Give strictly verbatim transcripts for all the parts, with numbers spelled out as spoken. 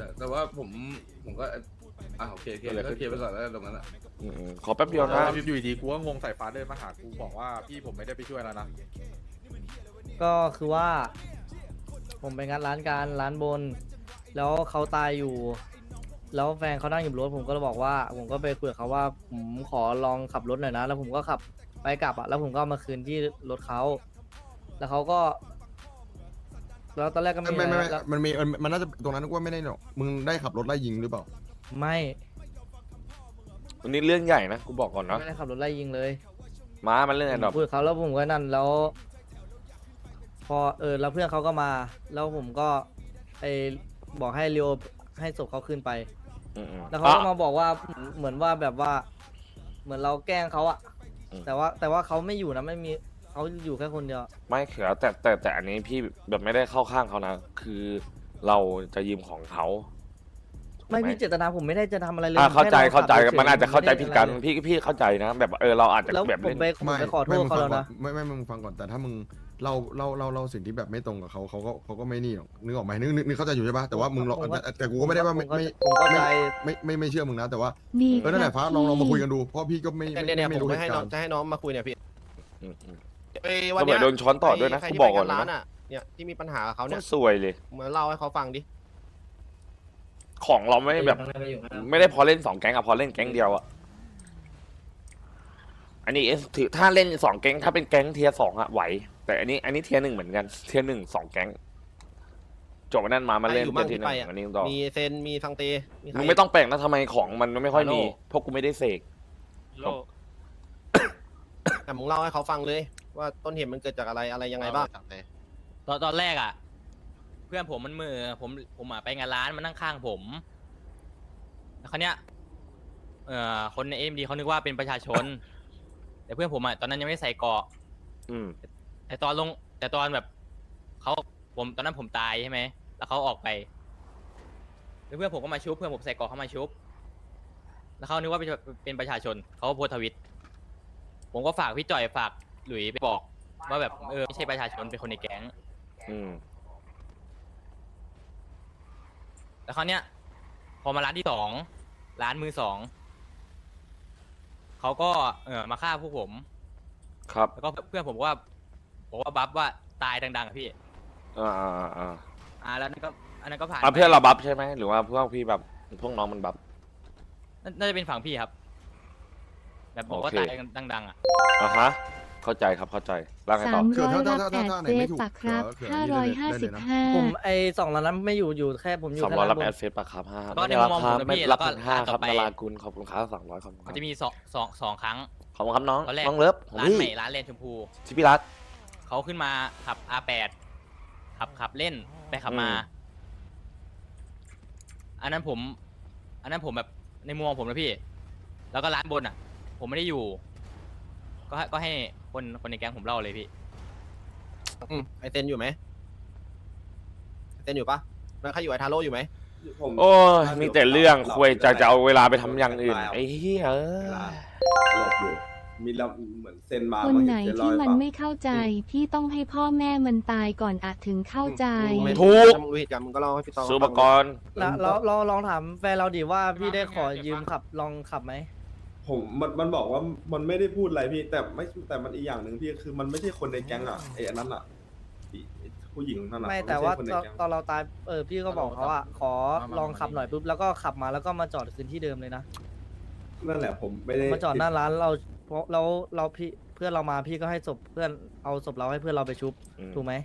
แต่แต่ว่าผมผมก็อ่าโอเคโอเคก็เคลียร์ไปก่อนแล้วตรงนั้นอ่ะอืมขอแป๊บเดียวนะอยู่ดีกูก็งงสายฟ้าเดินมาหากูบอกว่าพี่ผมไม่ได้ไปช่วยแล้วนะก็คือว่า ผมไปงัดร้านการร้านบน แล้วเขาตายอยู่ แล้วแฟนเขานั่งอยู่บนรถผมก็เลยบอกว่า ผมก็ไปคุยกับเขาว่าผมขอลองขับรถหน่อยนะ แล้วผมก็ขับไปกลับอ่ะแล้วผมก็เอามาคืนที่รถเขาแล้วเขาก็ แล้วตอนแรกก็ไม่ไม่ไม่ไม่แล้วมันมีมันมันน่าจะตรงนั้นก็ไม่ได้หรอกมึงได้ขับรถไล่ยิงหรือเปล่าไม่วันนี้เรื่องใหญ่นะกูบอกก่อนนะไม่ได้ขับรถไล่ยิงเลยม้ามันเรื่องผไอ้มดอกคุยกับเขาแล้วผมก็นั่นแล้ว พอเออแล้วเพื่อนเขาก็มา แล้วผมก็ไอบอกให้เรียวให้ศพเขาขึ้นไปอืมอืมแล้วเขาก็มาบอกว่าเหมือนว่าแบบว่า เหมือนเราแกล้งเขาอะอืมแต่ว่าแต่ว่าเขาไม่อยู่นะไม่มีเขาอยู่แค่คนเดียวไม่เขือแต่แต่แต่อันนี้พี่แบบไม่ได้เข้าข้างเขานะ คือเราจะยืมของเขาถูกหไม่พี่เจตนาผมไม่ได้จะทำอะไรเลยอ่าผมเข้าใจแค่เข้าใจขับฉยๆมันอาจจะเข้าใจไม่ได้ผิดกันอะไรเลยพี่พี่เข้าใจนะ แบบเออเราอาจจะแล้วแบบผมเล่นไปผมไปขอโทไม่ษเขามึแล้วงฟังนะก่อนไม่ไม่มึงฟังก่อนแต่ถ้ามึงเราเราเราเราสิ่งที่แบบไม่ตรงกับเขาเขาก็เขาก็ไม่นี่หรอกนึกออกไหมนึกนึกนึกเข้าใจอยู่ใช่ปะแต่ว่ามึงลองผมก็แต่แต่กูก็ไม่ได้ว่าไม่ไม่ผมเข้าใจไม่ไม่ไม่เชื่อมึงนะแต่ว่ามีเออนั่นแหละฟ้าลองลองมาคุยกันดูเพราะพี่ก็ไม่เนี่ยเนี่ยไม่ผมรู้เหจะให้ตุน้กาองรณ์จะให้น้องมาคุยเนี่ยพี่อืมอืมไอ้ก็วันเหมืเนี้อย นโดนช้อนต่อด้วยนะใครกูที่บอกไปก่อนร้านนะอ่ะเนี่ยที่มีปัญหากับเขาก็เนี่ยสวยเลยมาเล่าให้เขาฟังดิของเราไม่แบบ ไม่ได้พอเล่นสองแก๊งอะพอเล่นแก๊งเดียวอะอันนี้ถือถ้าเล่นสองแก๊งถ้าเป็นแก๊งเทียร์สองอะไหว แต่อันนี้อันนี้เทียร์หนึ่งเหมือนกันเทียร์หนึ่งสองแก๊งจบวันนั้นมามาเล่นอยู่เทีมั่ยงร์ที่ที่หนึ่ไปงอ่ะอันนี้ต่อมีเซนมีซังเตมีใครมึงไม่ต้องแปลกนะทำไมของมันไม่ค่อยมีฮัลโหลเพราะกูไม่ได้เสกโลแต่มึงเล่าให้เขาฟังเลย ว่าต้นเหตุมันเกิดจากอะไรอะไรยังไงบ้างตอนตอนแรกอ่ะ เพื่อนผมมันมือผมผมอ่ะไปงานร้านมันนั่งข้างผมแล้วคราวเนี้ยเอ่อคนในเอ็มดีเขานึกว่าเป็นประชาชน แต่เพื่อนผมอ่ะตอนนั้นยังไม่ได้ใส่เกราะอืมแต่ตอนลงแต่ตอนแบบเขาผมตอนนั้นผมตายใช่ไหมแล้วเขาออกไปแล้วเพื่อนผมก็มาชุบเพื่อนผมใส่เกราะเขามาชุบแล้วเขานึกว่าเป็นเป็นประชาชนเขาก็โพสต์ทวิตผมก็ฝากพี่จ่อยฝากหลุยไปบอกว่าแบบเออไม่ใช่ประชาชนเป็นคนในแก๊งอืมแล้วคราวเนี้ยพอมาร้านที่สองร้านมือสองเขาก็เออมาฆ่าพวกผมครับแล้วก็เพื่อนผมว่าบอกว่าบัฟว่าตายดังๆอะพี่อ่าอ่าอ่าอ่าแล้วนั่นก็อันนั้นก็ผ่านอ่ะไปเพื่อนเราบัฟใช่ไหมหรือว่าพวกพี่แบบพวกน้องมันบัฟน่าน่าจะเป็นฝั่งพี่ครับ แบบบอกว่าโอเคตายดังๆอ่ะอ่ะฮะเข้าใจครับเข้าใจร่างไงสาต่อมเขื่ร้ออน ยถ้ารับถ้าแอถ้าดถ้าไหนเฟไม่สถูกปะครับเขื่อห้าเขื่ร้ออยนี่ห้าได้สิเลบยนะห้าผมไอสองล้านนั้นไม่อยู่อยู่แค่ผมอยู่สองแค่ร้อยร้ารับนบแอน ดเฟซปะครับห้าก็ในไม่มุมมองผมนะไม่พี่รับแล้วก็พันห้าร้านคต่รัอบ ไปนารากุลขอบคุณครับสองร้อยขอบคุณคมัรันบจะมีสองสองสองครั้งขอบคุณครับน้องตอนแรกน้องเลิฟของร้านพี่ใหม่ร้านเลนชมพูชิพี่รัตเขาขึ้นมาขับ อาร์ แปด ขับขับเล่นไปขับมาอืมอันนั้นผม อันนั้นผมแบบในมุมมองผมนะพี่ แล้วก็ร้านบนอ่ะ ผมไม่ได้อยู่ ก็ให้ก็ให้คนคนในแก๊งผมเล่าเลยพี่อืมไอเซนอยู่ไหมไอเซนอยู่ปะแล้วใครอยู่ไอทาโร่อยู่ไหมโอ้ยมีแต่เรื่องคุยจะจะเอาเวลาไปทำอย่างอื่นไอ้เหี้ยเอ้ยหลบอยู่มีเราเหมือนเซ็นมาคนไหนที่มันไม่เข้าใจ พี่ต้องให้พ่อแม่มันตายก่อนอาจถึงเข้าใจไม่ถูกถ้ามึงรู้เหตุการณ์มึงก็เล่าให้พี่ตองซื้ออุปกรณ์แล้วเราเราลองถามแฟนเราดิว่าพี่ได้ขอยืมขับลองขับไหมผมมันมันบอกว่ามันไม่ได้พูดอะไรพี่แต่ไม่แต่มันอีกอย่างหนึ่งพี่คือมันไม่ใช่คนในแก๊งอ่ะไอ้อันนั้นอ่ะไอ้ผู้หญิงนั่นอ่ะไม่นแต่ใช่ว่าคนในตอนแก๊งตอนเราตายเออพี่ก็บอกเขาอะขอลองขับหน่อยปุ๊บแล้วก็ขับมาแล้วก็มาจอดคืนที่เดิมเลยนะนั่นแหละผมไม่ได้มาจอดหน้าร้านเราเพราะเราเราพี่เพื่อนเรามาพี่ก็ให้ศพเพื่อนเอาศพเราให้เพื่อนเราไปชุบอืมถูกไหม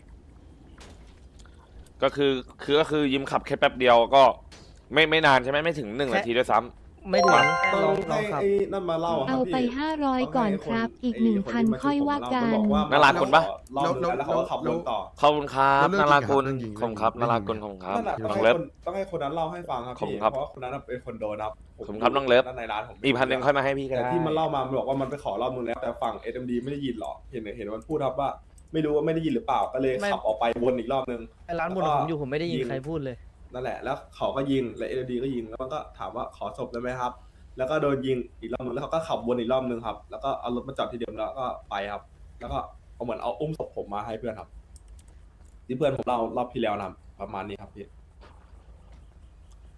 ก็คือคือก็คือยิ้มขับแค่แป๊บเดียวก็ไม่ไม่นานใช่ไหมไม่ถึงหนึ่งนาทีด้วยซ้ำไม่ถึงต้อลองงลอให้งขับไอ้นั่นมาเล่าะครัเอาบไปพี่ห้าร้อยก่อนครับ อีกหนึ่งพันค่อยว่ากันน่ารักคนปะรอบนึงแล้วเขาก็ขับรถต่อขอบคุณครับแล้วเรื่องนารากุลจริงๆขอบคุณครับเรื่นาองจริงรากุลขอบคุณครับนั่นแหละต้องน้องให้เลิฟคนต้องให้คนนั้นเล่าให้ฟังครับขอบคุพี่ณครับเพราะว่าคนนั้นน่ะเป็นคนโดนครับผมขอบคุณครับน้องเลิฟด้านในร้านผมอีกพันหนึ่งค่อยมาให้พี่ก็แต่ได้ที่มันเล่ามามันบอกว่ามันไปขอรอบนึงแล้วแต่ฝั่ง เอส เอ็ม ดี ไม่ได้ยินหรอกเห็นเห็นมันพูดครับว่า ไม่รู้ว่าไม่ได้ยินหรือเปล่าก็เลยไม่ขับออกไปวนอีกรอบนึงไอ้ร้านบนแล้วก็ผมอยู่ผมไม่ได้ยินยิงใครพูดเลยนั่นแหละแล้วเขาก็ยิงและ เอส เอ็ม ดี ก็ยิงแล้วมันก็ถามว่าขอศพได้ไหมครับ แล้วก็โดนยิงอีกรอบนึงแล้วเขาก็ขับวนอีกรอบนึงครับแล้วก็เอารถมาจอดที่เดิมแล้วก็ไปครับ แล้วก็เอาเหมือนเอาอุ้มศพผมมาให้เพื่อนครับ ที่เพื่อนผมเล่ารอบที่แล้วนะครับประมาณนี้ครับพี่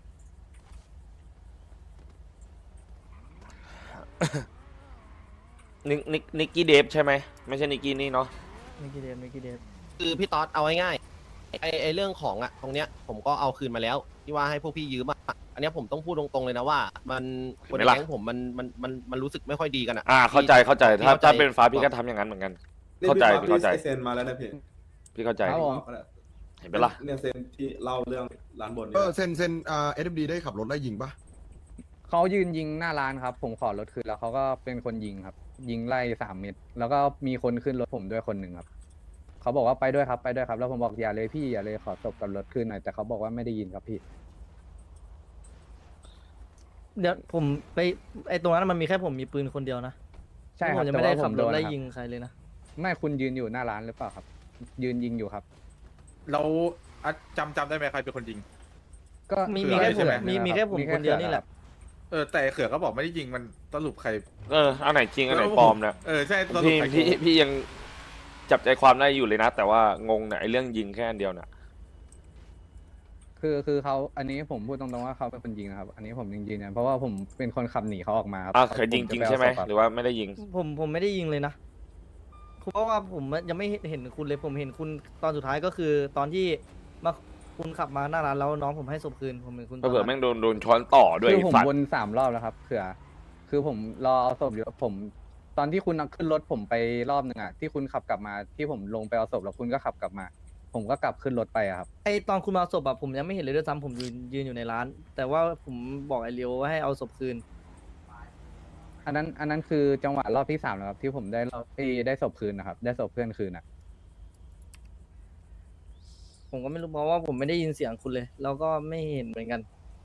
นิกนิกนิกกี้เดฟใช่ไหมไม่ใช่นิกกี้นี่เนาะมิกกี้เดฟมิกกี้เดฟคือพี่ต๊อดเอาง่ายๆไอไอเรื่องของอะตรงเนี้ยผมก็เอาคืนมาแล้วที่ว่าให้พวกพี่ยืมอะอันเนี้ยผมต้องพูดตรงๆเลยนะว่า มันคนในแก๊งผมมันมันมันมันรู้สึกไม่ค่อยดีกันอะอ่าเข้าใจเข้าใจถ้าเข้าใจถ้าเป็นฟ้าพี่ก็ทำอย่างนั้นเหมือนกันนี่เข้าใจพี่พี่เข้าใจพี่เซ็นมาแล้วนะพี่พี่เข้าใจครับผมเห็นไหมล่ะเนี่ยเซ็นที่เล่าเรื่องร้านบนเอเนี่ยอเซนเซนอ่าเอสเอ็มดีได้ขับรถไล่ยิงปะเขายืนยิงหน้าร้านครับ ผมขอรถคืนแล้วเขาก็เป็นคนยิงครับ ยิงไล่สามเม็ดแล้วก็มีคนขึ้นรถผมด้วยคนหนึ่งครับเขาบอกว่าไปด้วยครับไปด้วยครับ แล้วผมบอกอย่าเลยพี่อย่าเลยขอศพกับรถคืนหน่อยแต่เขาบอกว่าไม่ได้ยินครับพี่เดี๋ยวผมไปไอตรงนั้นมันมีแค่ผมมีปืนคนเดียวนะใช่คผรับมยังแต่ไม่ได้ว่าผขับมรโดถนไล่ครับยิงใครเลยนะไม่คุณยืนอยู่หน้าร้านหรือเปล่าครับ ยืนยิงอยู่ครับเราอ่ะจำจำได้ไหมใครเป็นคนยิงก็มีเผื่มีอแค่เลยผใช่มไหมมีมีแค่ผมคนเดียวนี่แหละเออแต่ไอ้เขือก็บอกไม่ได้ยิงมันสรุปใครเอออันไหนจริงอันไหนปลอมเนี่ยเออใช่สรุปพี่ใครพี่โกงพี่ยังจับใจความได้อยู่เลยนะ แต่ว่างงเนี่ยไอ้เรื่องยิงแค่อันเดียวเนี่ยคือคือเขาอันนี้ผมพูดตรงๆว่าเขาเป็นคนยิงนะครับ อันนี้ผมยังยืนยันเพราะว่าผมเป็นคนขับหนีเขาออกมาครับอ่ะเคยยิงจริงใช่ไหมผจะปเอาศพหรือว่าไม่ได้ยิงผมผมไม่ได้ยิงเลยนะเพราะว่าผมยังไม่เห็นคุณเลยผมเห็นคุณตอนสุดท้ายก็คือ ตอนที่มาคุณขับมาหน้าร้านแล้วน้องผมให้ศพคืนผมเห็นคุณตก็อนเผื่อนั้นแม่งโดนโดนช้อนต่อด้วยคือผมสัตว์วนสามรอบแล้วครับเผื่อคือผมรอเอาศพอยู่ผม ตอนที่คุณเอาขึ้นรถผมไปรอบหนึ่งอะที่คุณขับกลับมาที่ผมลงไปเอาศพแล้วคุณก็ขับกลับมา ผมก็กลับขึ้นรถไปอะครับไอตอนคุณมาเอาศพอะผมยังไม่เห็นเลยด้วยซ้ำผมยืนยืนอยู่ในร้าน แต่ว่าผมบอกไอเลียวว่าให้เอาศพคืนอันนั้นอันนั้นคือจังหวะรอบที่สามแล้วครับที่ผมได้รอบที่ได้ศพคืนนะครับ ได้ศพเพื่อนคืนอะผมก็ไม่รู้เพราะว่าผมไม่ได้ยินเสียงคุณเลย แล้วก็ไม่เห็นเหมือนกัน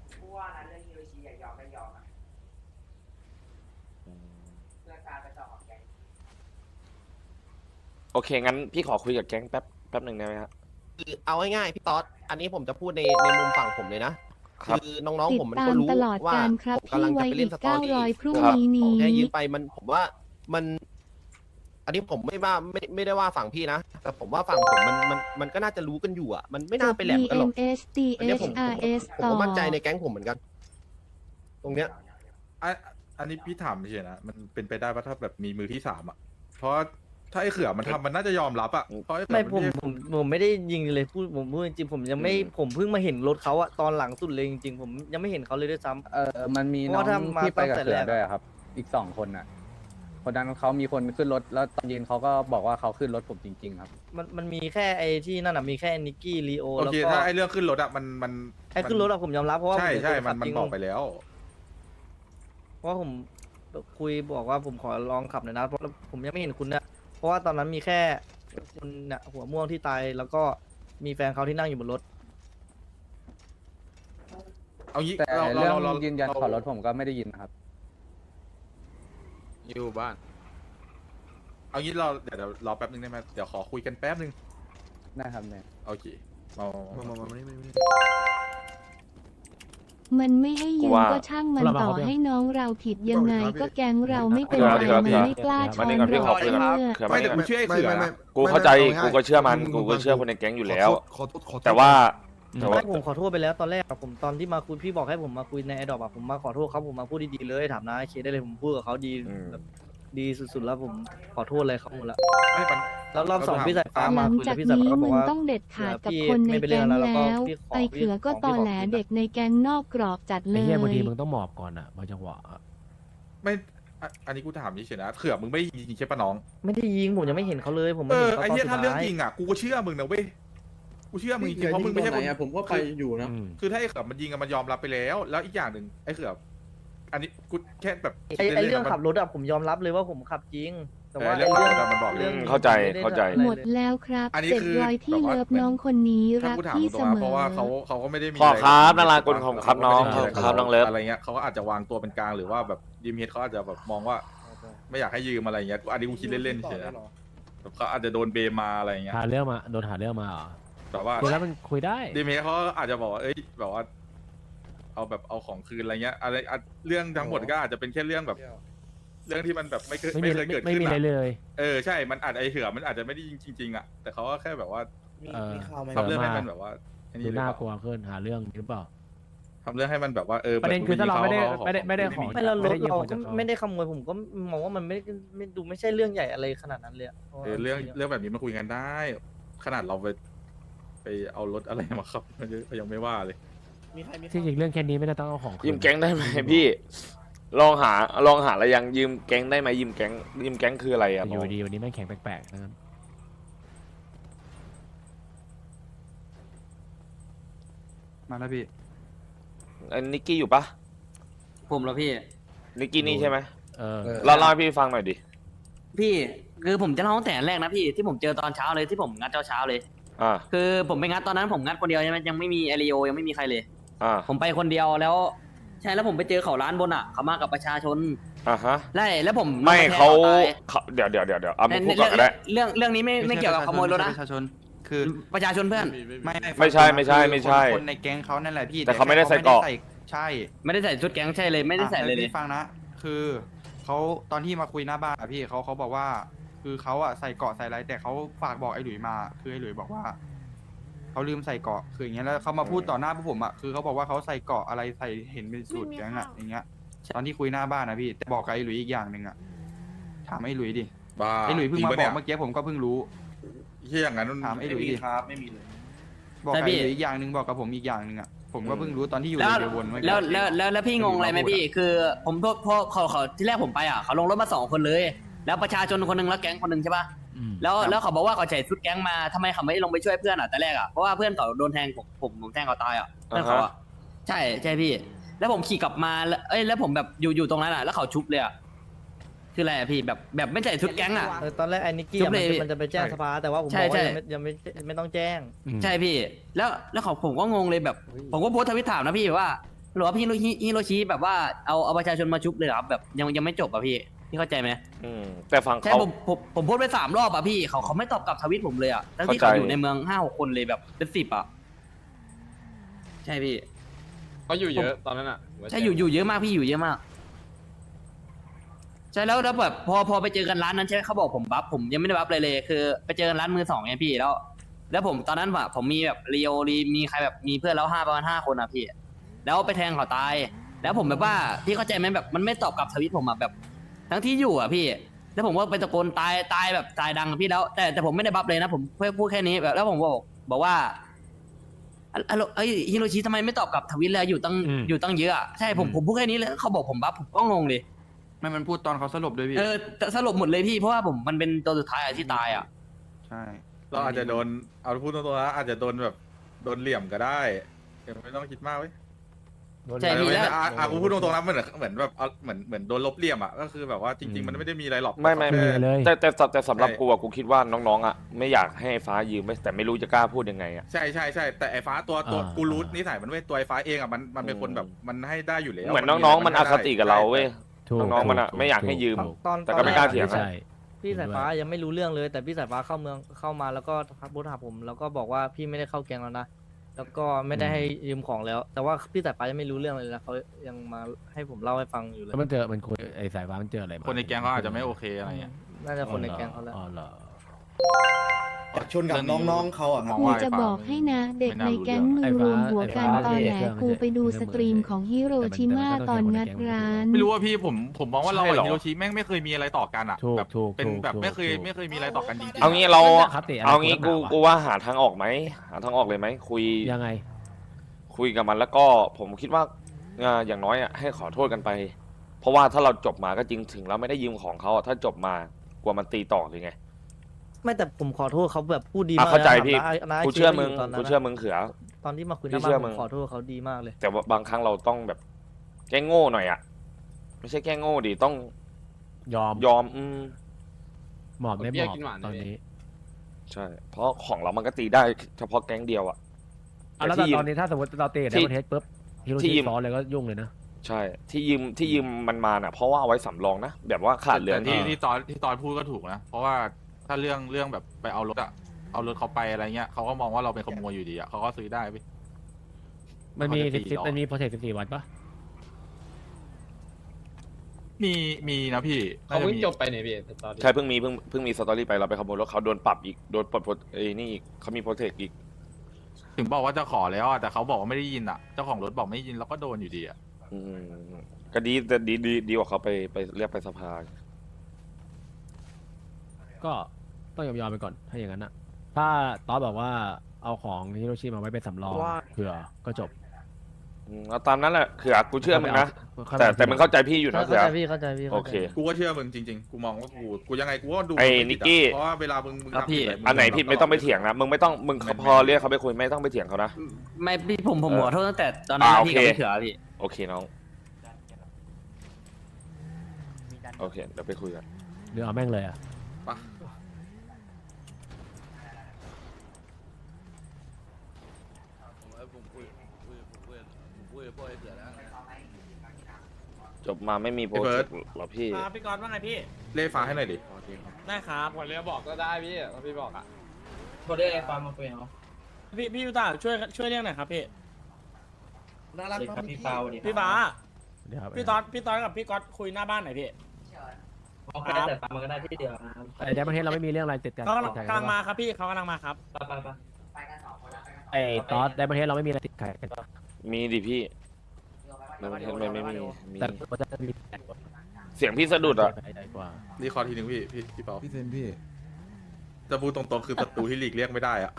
โอเคงั้นพี่ขอคุยกับแก๊งแป๊บแป๊บหนึ่งได้ไหมครับคือเอาง่ายๆพี่ต๊อดอันนี้ผมจะพูดในในมุมฝั่งผมเลยนะครับ คือน้องติๆดผมมันตาก็มรู้ตลอดว่าการครับผมกำลังพี่ไว้จะไปอีเล่นกสตอรี่เก้าร้อยพรุ่งครับนี้ของนี้แค่ยืมไปมันผมว่ามัน อันนี้ผมไม่ว่าไม่ไม่ได้ว่าฝั่งพี่นะ แต่ผมว่าฝั่งผมมันมันมันก็น่าจะรู้กันอยู่อ่ะ มันไม่น่าไปแหลมกันหรอก DMS อันเนี้ยผมผม DHRS ผมต่อก็มั่นใจในแก๊งผมเหมือนกัน ตรงเนี้ยอ่ะอันนี้พี่ถามเฉยๆนะมันเป็นไปได้ว่าถ้าแบบมีมือที่สามอ่ะเพราะถ้าไอ้เขือมันทำมันน่าจะยอมรับอ่ะเพราะไอ้เขือไม่นผมใช่ผมผมไม่ได้ยิงเลยพูดผมพูดจริงๆผมยังไม่อืมผมเพิ่งมาเห็นรถเขาอะตอนหลังสุดเลยจริงๆผมยังไม่เห็นเขาเลยด้วยซ้ำเออมันมีเพน้ราะองว่าถ้ามาที่ไปกับตั้งแต่เสือแรกอะด้วยอะครับ อีกสองคนน่ะ คนนั้นเขามีคนขึ้นรถแล้วตอนเย็นเขาก็บอกว่าเขาขึ้นรถผมจริง ๆ ครับมันมันมีแค่ไอ้ที่นั่นอะมีแค่นิกกี้ลีโอโอแล้วเคก็ถ้าไอ้เรื่องขึ้นรถอ่ะมันมันไอ้ขึ้นรถอะผมยอมรับเพราะว่าใช่ผมเป็นใช่คนมัขันบมันจริงบอกไปแล้วเพราะว่าผมคุยบอกว่าผมขอลองขับหน่อยนะเพราะผมยังไม่เห็นคุณเนี่ยเพราะว่าตอนนั้นมีแค่คุณเนี่ยหัวม่วงที่ตายแล้วก็มีแฟนเขาที่นั่งอยู่บนรถเอางี้แต่เราเรื่องเราเรายืนยันเราขอรถผมก็ไม่ได้ยินนะครับอยู่บ้านเอางี้เราเดี๋ยวเดี๋ยวรอแป๊บนึงได้ไหมเดี๋ยวขอคุยกันแป๊บนึงได้ครับเนี่ยโอเคมามามามามานี่มานี่มันไม่ให้ยืกูมว่าก็ช่างมันต่อให้น้องเราผิดยังไงก็แก๊งเราไม่เป็นไรเดี๋ยวมัเดี๋นยวไม่กล้าช้มาอนนี่ก่อนพี่ขเราอคุยกับเพื่อเขือไม่มานี่แต่ก่อนกูเชื่อไอ้เขือนะกูเข้าใจกูก็เชื่อมันกูก็เชื่อคนในแก๊งอยู่แล้วขอโทษขอโทษแต่ว่าแต่ว่าไม่ผมขอโทษไปแล้วตอนแรกอะผมตอนที่มาคุยพี่บอกให้ผมมาคุยในไอดอปอะผมมาขอโทษเขาผมมาพูดดีๆเลยถามนะไอเคได้เลยผมพูดกับเขาดีอืมแบบดีสุดๆแล้วผมขอโทษอะไรเขาหมดแล้วไม่มันแล้วรอบสองเราถามพี่สายฟ้าหมาลังคุยจาแล้วกพี่สายนี้ฟ้าก็บมึอกงว่าต้องเด็ดขาดกับพี่คนในไม่เป็นเรื่แก๊องงแล้วแล้วก็แล้วพี่ขอไอเขือก็พี่ขอตอแหลพี่ขอเด็กในแก๊งนอกกรอบจัดเลไอ้ยเหี้ยบางทีมึงต้องหมอบก่อนอ่ะบางจังหวะอะไม่อ่ะอันนี้กูถามเฉยๆนะเขือมึงไม่ได้ยิงใช่ปะน้องไม่ได้ยิงผมยังไม่เห็นเขาเลยผมเอไม่เห็อนเขาไอ้ตอนเหี้ยสุดถ้าเรื่องท้ายยิงอ่ะกูก็เชื่อมึงนะเว้ยกูเชื่อมึงจริงๆเพราะมึงไม่ใช่คนผมก็ไปอยู่นะอืมคือถ้าไอ้เขือมันยิงอะมันยอมรับไปแล้ว แล้วอีกอย่างหนึ่งไอ้เขืออันนี้กูแค่แบบไอไอล่นๆเรื่องนะมันขับรถอะผมยอมรับเลยว่าผมขับจริง แต่ว่าเออไอเรื่องเรื่องขับรถอะมันบอกเลยเรื่องเข้าใจไม่ได้เข้าใจอะไรหมดเลยแล้วครับอันนี้เจ็ดคือร้อยที่แบบว่าเลิฟน้องคนนี้ถ้ารักกูถามพี่ตรเสงๆมนะเพราะว่าเขาอเขาก็ไม่ได้มีขออะไรครับกันารากุลของครับน้องเขาก็ไม่ได้มีครับน้องเลิฟอะไรเงี้ยเขาก็อาจจะวางตัวเป็นกลางหรือว่าแบบยิมเฮดเขาอาจจะแบบมองว่า ไม่อยากให้ยืมอะไรเงี้ยอันนี้กูคิดเล่นๆเฉยๆนะแบบเขาอาจจะโดนเบมมาอะไรเงี้ยหาเรื่องมาโดนหาเรื่องมาเหรอแต่ว่าคุยแล้วมันคุยได้ดีเมเขาอาจจะบอกว่าเอ้ยแบบว่า เอาแบบเอาของคืนอะไรเงี้ยอะไรอ่ะเรื่องทั้งหมดก็อาจจะเป็นแค่เรื่องแบบ เรื่องที่มันแบบไม่เคยไม่มีไม่เคยเกิดไม่ขึ้นมีอะไรอะเลยเออใช่มันอาจไอเหือมันอาจจะไม่ได้ยิงจริงๆอ่ะแต่เขาก็แค่แบบว่าเออทำเรื่องให้มันแบบว่าอันดูนี้หรือน่าเปล่ากลัวขึ้นหาเรื่องหรือเปล่าทำเรื่องให้มันแบบว่าเออประเด็นคือถ้าเราไม่ได้ขไม่ได้ไม่ได้ของไม่เรารถด้ยืเราของก็จากขไม่ได้ขโมยผมก็มองว่ามันไม่ไม่ดูไม่ใช่เรื่องใหญ่อะไรขนาดนั้นเลยะเออเรื่องเรื่องแบบนี้มาคุยกันได้ ขนาดเราไปไปเอารถอะไรมาครับมันยังไม่ว่าเลยที่จริงเรื่องแค่นี้ไม่ได้ต้องเอาของคืนยืมแก๊งได้ไหมพี่ ลองหาลองหาอะไรยังยืมแก๊งได้ไหมยืมแก๊งยืมแก๊งคืออะไรอ่ะอยู่ดีวันนี้แม่งแข็งแปลกๆนะครับมาแล้วพี่อันนิกกี้อยู่ปะผมแล้วพี่นิกกี้นี่ใช่ไหมเออเล่าเล่าให้พี่ฟังหน่อยดิพี่คือผมจะเล่าตั้งแต่แรกนะพี่ที่ผมเจอตอนเช้าเลยที่ผมงัดเช้าเช้าๆเลยอ่าคือผมไปงัดตอนนั้นผมงัดคนเดียวใช่ไหมยังไม่มีเอริโอยังไม่มีใครเลยอ่าผมไปคนเดียวแล้ว ใช่แล้วผมไปเจอเขาร้านบนอ่ะเขามากับประชาชนอ่าฮะไล่แล้วผมไม่ลงปแทงเขาตายเขาเดี๋ยวเดี๋ยวเดี๋ยวเดี๋ยวเอาในมาพูดก่อนก็ได้เรื่องเรื่องนี้ไม่ไม่เกี่ยวกับขโมยรถนะประชาชนคือประชาชนเพื่อนไม่ไม่ใช่ไม่ใช่ไม่ใช่คนในแก๊งเขานั่นแหละพี่แต่เขาไม่ได้ใส่เกราะใช่ไม่ได้ใส่ชุดแก๊งใช่เลยไม่ได้ใส่เลยเลยพี่ฟังนะ คือเขาตอนที่มาคุยหน้าบ้านอะพี่เขาเขาบอกว่า คือเขาอะใส่เกราะใส่อะไรแต่เขาฝากบอกไอ้หลุยมา คือไอ้หลุยบอกว่าเขาลืมใส่เกราะคืออย่างเงี้ยแล้วเขามาพูดต่อหน้าพวกผมอะคือเขาบอกว่าเขาใส่เกราะอะไรใส่เห็นเป็นสูตรแก๊งอะอย่างเงี้ยตอนที่คุยหน้าบ้านนะพี่แต่บอกกับไอ้หลุยอีกอย่างหนึ่งอะถามไอ้หลุยดิบ้าไอ้หลุยเพิ่งจริมาปะบนี่อย กเมื่อกี้ผมก็เพิ่งรู้ที่อย่างนั้นถามไอ้หลุยดิครับไม่มีเลยบอกใช่กับพี่ไอ้หลุยอีกอย่างหนึ่งบอกกับผมอีกอย่างหนึ่งอะผมก็เพิ่งรู้ตอนที่อยู่แล้วในเรือวนเมื่อกี้แล้วแล้วแล้วแล้วพี่งงอะไรไหมพี่ คือ ผมพวกพวกเขาเขาที่แรกผมไปอ่ะเขาลงรถมาสองคนเลย แล้วประชาชนคนหนึ่งแล้วแก๊งคนหนึ่งใช่ปะอืมแล้วแล้วเขาบอกว่าเขาใส่ชุดแก๊งมาทำไมเขาไม่ลงไปช่วยเพื่อนอ่ะแต่แรกอ่ะเพราะว่าเพื่อนเขาโดนแทงผมผมผมแทงเขาตายอ่ะเพื่อนเขาอ่ะใช่ใช่พี่ แล้วผมขี่กลับมาแล้วเอ้ยแล้วผมแบบอยู่อยู่ตรงนั้นอ่ะแล้วเขาชุบเลยอ่ะคืออะไรอะพี่แบบแบบไม่ใส่ชุดแก๊งอ่ะเออตอนแรกไอ้นิกกี้จุ๊อะบมันเลยจะมันจะไปแจ้งสภาแต่ว่าผมใช่บอกว่าใช่ยังไม่ยังไม่ไม่ต้องแจ้งอืมใช่พี่ แล้วแล้วเขาผมก็งงเลยแบบ ผมก็โพสต์ทวิตถามนะพี่ว่าหรือว่าพี่ฮิโรชิฮิโรชิแบบว่าเอาเอาประชาชนมาชุบเลยเหรอครับแบบยังยังไม่จบอ่ะพี่พี่เข้าใจไหมอืมแต่ฟังใช่เขาผมผมผมโพสต์ไปสามรอบอ่ะพี่เขาเขาไม่ตอบกลับทวิตผมเลยอ่ะทั้งที่เข้าเขาใจอยู่ในเมืองห้าหกคนเลยแบบเป็นสิบอ่ะใช่พี่เขาอยู่เยอะตอนนั้นอ่ะใช่อยู่อยู่เยอะมากพี่อยู่เยอะมากใช่แล้วแล้วแบบพอพอไปเจอกันร้านนั้นใช่ไหมเขาบอกผมบัฟผมยังไม่ได้บัฟเลยเลย คือ ไปเจอกันร้านมือสองไงพี่แล้ว แล้วผมตอนนั้นแบบผมมีแบบเรียวรีมีใครแบบมีเพื่อนแล้วห้าประมาณห้าคนอ่ะพี่ แล้วไปแทงเขาตาย แล้วผมแบบว่าพี่เข้าใจไหมแบบมันไม่ตอบกลับทวิตผมอ่ะแบบ ทั้งที่อยู่อ่ะพี่ แล้วผมก็ไปตะโกนตายตายแบบตายดังอะพี่แล้ว แต่แต่ผมไม่ได้บัฟเลยนะผมแค่พูดแค่นี้แบบแล้วผมบอกบอกว่าอะอะโลเอ้ยฮิโรชิทำไมไม่ตอบกลับทวิตเลยอยู่ตั้งอืมอยู่ตั้งเยอะอะใช่ผมผมพูดแค่นี้เลยเขาบอกผมบัฟผมก็งงเลยไม่มันพูดตอนเขาสลบด้วยพี่เออแต่สรุปหมดเลยพี่เพราะว่าผมมันเป็นตัวสุดท้ายอะที่ตายอ่ะใช่เราอาจจะโดนเอาพูดตรงๆนะอาจจะโดนแบบโดนเหลี่ยมก็ได้เดี๋ยวไม่ต้องคิดมากเว้ยใช่พี่แล้วอ่ะอ่ะกูพูดตรงๆนะเหมือนเหมือนแบบเอาเหมือนเหมือนโดนลบเหลี่ยมอ่ะก็คือแบบว่าจริง ๆ มันไม่ได้มีอะไรหรอกไม่ไม่แค่ไม่เลยแต่แต่แต่แต่สำหรับใช่กูอะกูคิดว่าน้องๆอะไม่อยากให้ฟ้ายืมแต่ไม่รู้จะกล้าพูดยังไงอะใช่ใช่ใช่แต่ไอ้ฟ้าตัวตัวอ่ากูรู้นิสัยมันเว้ยตัวไอ้ฟ้าเองอ่ะมันมันเป็นคนแบบมันให้ได้อยู่แล้วเหมือนน้องๆมันอคติกับเราเว้ยถูกน้องๆมันอะถูไม่อยากให้ยืมถูกตอนแต่ก็ไม่กล้าเถียงใช่พี่สายฟ้ายังไม่รู้เรื่องเลย แต่พี่สายฟ้าเข้าเมืองเข้ามาแล้วก็ทักบูธหาผม แล้วก็บอกว่าพี่ไม่ได้เข้าแก๊งแล้วนะแล้วก็ไม่ได้ให้ยืมของแล้ว แต่ว่าพี่สายฟ้ายังไม่รู้เรื่องเลยนะเขายังมาให้ผมเล่าให้ฟังอยู่เลยแล้วมันเจอมันคุยไอ้สายฟ้ามันเจออะไรมาคนในแก๊งเขาอาจจะไม่โอเคอะไรเงี้ยน่าจะคนในแก๊งเขาแล้วอ๋อเหรอชนกับน้องๆเขาอ่ะกูจะบอกให้นะ เด็กในแก๊งมือรวมหัวกันตอนแหลกูไปดูสตรีมของฮิโรชิมาตอนงัดร้านไม่รู้ว่าพี่ผมผมมองว่าเราใช่กับเหรอฮิโรชิแม่งไม่เคยมีอะไรต่อกันอ่ะถูกแบบถูกเป็นถูกแบบถูกไม่เคยถูกไม่เคยมีอะไรต่อกันจริงๆเอางี้เราคติอะไรเอางี้กูคนละแบบวะกูว่าหาทางออกไหมหาทางออกเลยไหมคุยยังไงคุยกับมันแล้วก็ผมคิดว่าอ่าอย่างน้อยอ่ะให้ขอโทษกันไป เพราะว่าถ้าเราจบมาก็จริงถึงเราไม่ได้ยืมของเขาอะถ้าจบมากลัวมันตีต่อเลยไงไม่แต่ผมขอโทษเขาแบบพูดดีอ่ะมากเข้าใจนะพี่น้าน้ากูเชื่อมึงตอนนั้นกูนะเชื่อมึงเขือตอนที่มาคุยหพี่น้าบ้าเชื่อนผมึมงขอโทษเขาดีมากเลยแต่ว่าบางครั้งเราต้องแบบแก้โง่หน่อยอ่ะ ไม่ใช่แก้โง่ดิต้องยอมยอมอืมหมอบไม่หเบี้มยอบกินหวานตอนเลยนี้ใช่ เพราะของเรามันก็ตีได้เฉพาะแก๊งเดียวอ่ะอ่ะแล้วที่ยืมตอนนี้ถ้าสมมติเราเตะที่ในประเทศปุ๊บฮิโรที่ชิยืมซ้อนเลยก็ยุ่งเลยนะใช่ ที่ยืมที่ยืมมันมาน่ะ เพราะว่าเอาไว้สำรองนะแบบว่าขาดเหลือแต่ที่ที่ที่ตอนที่ตอนพูดก็ถูกนะ เพราะว่าถ้าเรื่องเรื่องแบบไปเอารถอะเอารถเขาไปอะไรเงี้ยเขาก็มองว่าเราเป็นขโมยอยู่ดีอะเขาก็ซื้อได้ไปมันมีเขาจะสิบตีสิบต่อมันมีโปรเทคสิบสี่วันปะมีมีนะพี่เขาน่าจะเพิ่งมีจบไปเนี่ยพี่ตอนนี้ใช่เพิ่งมีเพิ่งเพิ่งมีสตอรี่ไปเราไปขโมยรถเขาโดนปรับอีกโดนปลดโปรเอ้ยนี่อีกเขามีโปรเทคอีกถึงบอกว่าจะขอแล้วอะแต่เขาบอกว่าไม่ได้ยินอ่ะเจ้าของรถบอกไม่ได้ยินเราก็โดนอยู่ดีอ่ะอืมก็ดีแต่ดีดีดีกว่าเขาไปไปเรียกไปสภาก็ต้องยอมยอมไปก่อนถ้าอย่างนั้นอะถ้าตอนบอกว่าเอาของฮิโรชิมาไว้เป็นสำรองเผื่อก็จบอืมเอาตามนั้นแหละคือกูเชื่อมึงนะค่อยมาแต่ทีหลังแต่มึงเข้าใจพี่อยู่นะเข้าเสือใจพี่เข้าใจพี่โอเข้าใจเคกูก็เชื่อมึงจริงๆ กูมองว่ากูกูยังไงกูก็ดูไอ้มึงม่นิผิดกกี้อะเพราะว่าเวลามึงมึงครับทำพี่ผิดะมึอันไหนผิดไม่ต้องไปเถียงนะมึงไม่ต้องมึงไม่พอเรียกเขาไปคุยไม่ต้องไปเถียงเขานะไม่พี่ผมผมเออขอโทษตั้งแต่ตอนนั้นอ่านะพี่โอเคกับพี่เขือพี่โอเคน้องโอเคเดี๋ยวไปคุยกันเดี๋ยวเอาแม่งเลยอะปะจบมาไม่มีโปรเจกต์หรอพี่พี่กรณ์ว่าไงพี่เล่ฟ้าให้หน่อยดิได้ครับวันเรียบอกก็ได้พี่ถ้าพี่บอกอ่ะโทษได้ไอ้ฟาร์มมาคุยเอาพี่พี่ยูตาช่วยช่วยเรียกหน่อยครับพี่น่ารักครับพี่ฟาวดิพี่บ้าเดี๋ยวครับพี่ตอนพี่ตอนกับพี่ก๊อตคุยหน้าบ้านหน่อยพี่เอาไปแต่ฟาร์มมันก็ได้ที่เดียวนะครับไอ้เดมอนเทสเราไม่มีเรื่องอะไรติดกันเขากำลังติดขัดกำลังนมาครับพี่เขากำลังมาครับไปไปไปไอ้ตอสเดมอนเทสเราไม่มีอะไรติดขัดกันปะมีดิพี่ไม่ไม่ไม่ไม่มีมีแต่มันจะมีแต่กว่าเสียงพี่สะดุดอ่ะใจกว่ารีคอร์ดทีหนึ่งพี่พี่พี่เปาพี่เซนพี่จะพูดตรงๆคือศัตรูที่หลีกเลี่ยงไม่ได้อ่ะ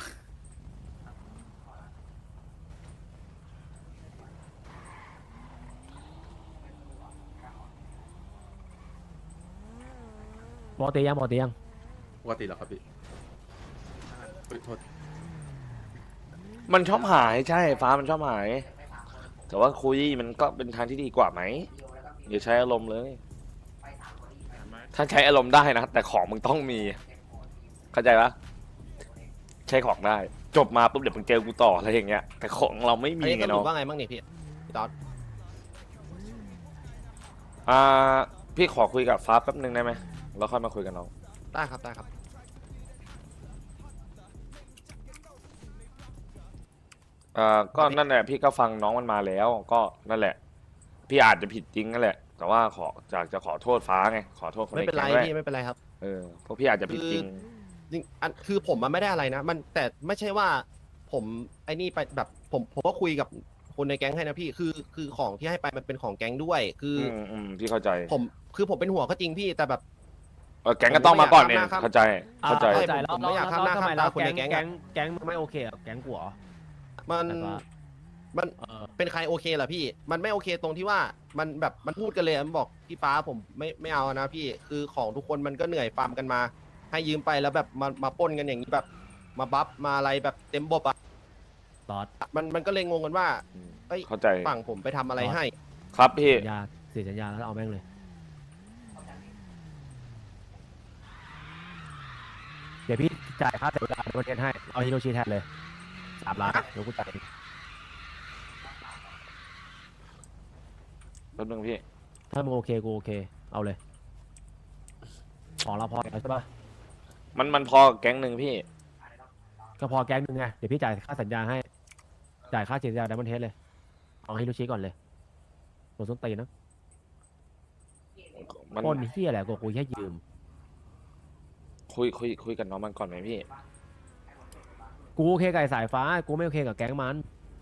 ปกติยังปกติยังปกติแล้วครับพี่เฮ้ยโทษมันชอบหายใช่ฟ้ามันชอบหาย แต่ว่าคุยมันก็เป็นทางที่ดีกว่าไหมอย่าใช้อารมณ์เลย ถ้าใช้อารมณ์ได้นะ แต่ของมึงต้องมี เข้าใจปะใช้ของได้ จบมาปุ๊บเดี๋ยวมึงเจอกูต่ออะไรอย่างเงี้ย แต่ของเราไม่อันมีนี้ไงสรุเนาะปว่าไงบ้างนี่พี่พี่ตอนอ่าพี่ขอคุยกับฟ้าแป๊บนึงได้ไหมแล้วค่อยมาคุยกันน้องได้ครับได้ครับอ่าก็นั่นแหละพี่ก็ฟังน้องมันมาแล้ว ก็นั่นแหละ พี่อาจจะผิดจริงนั่นแหละ แต่ว่าขอจากจะขอโทษฟ้าไงขอโทษคนไม่ในเป็นไรแก๊งด้วยพี่ไม่เป็นไรครับเออเพราะพี่อาจจะผิดจริงจริงอันคือผมมันไม่ได้อะไรนะ มันแต่ไม่ใช่ว่าผมไอ้นี่ไปแบบผมผมก็คุยกับคนในแก๊งให้นะพี่คือคือของที่ให้ไปมันเป็นของแก๊งด้วย คืออือมอืมพี่เข้าใจผมคือผมเป็นห่วงก็จริงพี่แต่แบบเออแก๊งก็ต้องมาก่อนเนี่ยผมไม่อยากข้ามหน้าครับเข้าใจเข้าใจอ่เข้าใจแล้วผมไม่อยากข้ามหน้าทำไมข้ามตาเราคนในแก๊งแก๊งอะแก๊งแก๊งมึงไม่โอเคกับแก๊งกูเหรอมันแต่ว่ามันเออเป็นใครโอเคเหรอพี่ มันไม่โอเคตรงที่ว่ามันแบบมันพูดกันเลยมันบอกพี่ฟ้าผมไม่ไม่เอานะพี่คือของทุกคนมันก็เหนื่อยฟาร์มกันมา ให้ยืมไปแล้วแบบมามาปล้นกันอย่างนี้แบบมาบัฟมาอะไรแบบเต็มบบอ่ะตอสมันมันก็เลยงงกันว่าอืมเอ้ยเข้าใจฝั่งผมไปทำอะไรให้ครับพี่สัญญาเสียสัญญาแล้วเอาแม่งเลย เดี๋ยวพี่จ่ายค่าเสียเวลาในประเทศให้ เอาฮิโรชิแทนเลยสามล้านเดี๋ยวกูจ่ายเองแป๊บนึงพี่ถ้ามึงโอเคกูโอเค เอาเลย ของเราพอแล้วใช่ปะมันมันพอแก๊งหนึ่งพี่ก็พอแก๊งหนึงไง เดี๋ยวพี่จ่ายค่าสัญญาให้ จ่ายค่าเสียสัญญาไดมอนเทสเลย เอาฮิโรชิก่อนเลยโดนส้นตีนนะมันปล้นเฮียแหละกูกูแค่ยืมคุยคุยคุยกับน้องมันก่อนไหมพี่กูโอเคกับไอ้สายฟ้า กูไม่โอเคกับแก๊งมัน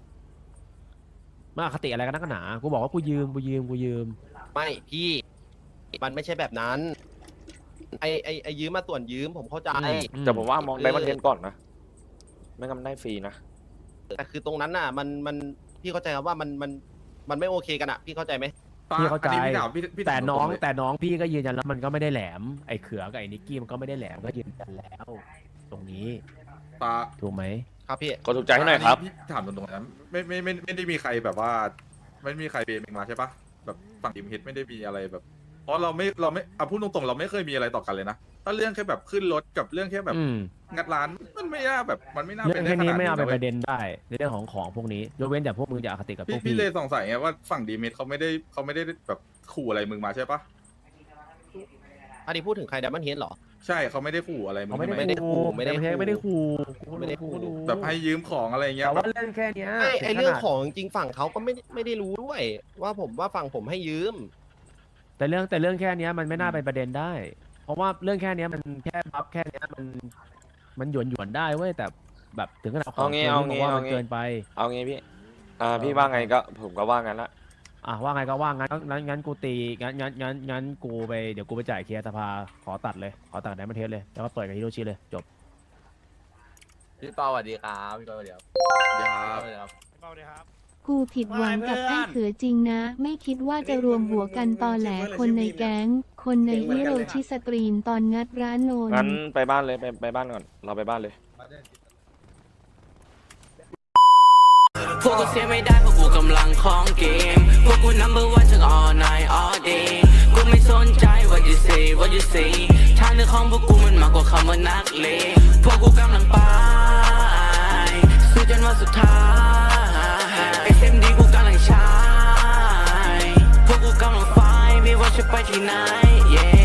มาอคติอะไรกันนักหนา กูบอกว่ากูยืม กูยืม กูยืมไม่พี่ มันไม่ใช่แบบนั้น ไอไอไอยืมมาส่วนยืมผมเข้าใจอืมแต่ผมว่ามองคือได้มันเทนก่อนนะ ไม่งั้นมันได้ฟรีนะแต่คือตรงนั้นน่ะ มันมันพี่เข้าใจครับว่ามันมันมันไม่โอเคกันอ่ะ พี่เข้าใจไหมฟ้าพี่เข้าใจอันนี้พี่ถามพี่พี่แต่ถามน้องตรงๆเลยแต่น้องพี่ก็ยืนยันแล้วมันก็ไม่ได้แหลม ไอ้เขือกับไอ้นิกกี้มันก็ไม่ได้แหลมก็ยืนยันแล้ว ตรงนี้ฟ้าถูกไหมครับพี่ก็ถูกใจให้หน่อยครับพี่ถามตรงๆนะไม่ไม่ไม่ไม่ได้มีใครแบบว่า ไม่มีใครเบรมเองมาใช่ปะแบบฝั่งทีมเฮดไม่ได้มีอะไรแบบ เพราะเราไม่เราไม่เอาพูดตรงๆเราไม่เคยมีอะไรต่อกันเลยนะถ้าเรื่องแค่แบบขึ้นรถกับเรื่องแค่แบบอืมงัดร้านมันไม่น่าแบบมันไม่น่าเรื่เป็อน งได้แค่ขนี้นาดไม่นี้เอาเป็นนะปเว้ยระเด็นได้ในเรื่องของของพวกนี้ยกเว้นแต่พวกมึงจะอคติกับพพี่วกพี่พี่เลยสงสัยไงว่าฝั่งดีเมทเขาไม่ได้เขาไม่ได้แบบขู่อะไรมึงมาใช่ปะอันนี้พูดถึงใครดับเบิลเฮดเหรอใช่เขาไม่ได้ขู่อะไรมึงเขาไม่ใช่ได้ไหมไม่ได้ขู่ไม่ได้ขู่ไม่ได้ขู่กูไม่ได้ขู่กูรู้แบบให้ยืมของอะไรเงี้ยแต่แบว่าบเรื่องแค่เนี้ยไอไอถึขนาดเรื่องของจริงๆฝั่งเขาก็ไม่ได้ไม่ได้รู้ด้วย ว่าผมว่าฝั่งผมให้ยืมแต่เรื่องแต่เรื่องแค่เนี้ยมันไม่น่าเป็นประเด็นได้ เพราะว่าเรื่องแค่เนี้ยมันแค่บัฟแค่เนี้ยมันมันหยวนหยวนๆได้เว้ยแต่แบบถึงขนาดขเอาองงี้คืนเอาพี่บองี้กว่าเอามันงี้เกินไปเอางี้พี่อ่าพี่ว่าไงก็ผมก็ว่างั้นละอ่ะว่าไงก็ว่างั้นงั้นงั้นกูตีงั้นงั้นงั้นงั้นกูไปเดี๋ยวกูไปจ่ายเคลียร์สภาขอตัดเลยขอตัดไดมอนเทสเลยแล้วก็เปิดกับฮิโรชิเลยจบพี่เปาสวัสดีครับพี่เปาสวัสดีครับเดี๋ยวครับสวัสดีครับกูผิดหวังกับไอ้เขือจริงนะ ไม่คิดว่าจะรวมหัวกันตอแหลคนในแก๊ง คนในฮิโรชิสตรีมตอนงัดร้านโนนงั้นไปบ้านเลยไปไปบ้านก่อนเราไปบ้านเลยพวกกูเสียไม่ได้เพราะกูกำลังของเกม พวกกู number one ทั้ง all night all day กูไม่สนใจ what you say what you say ทางเดินของพวกกูมันมากกว่าคำว่านักเลงพวกกูกำลังไปสู้จนวันสุดท้าย เอส เอ็ม ดี กูกำลังใช้พวกกูกำลังไฟไม่ว่าจะไปที่ไหน yeah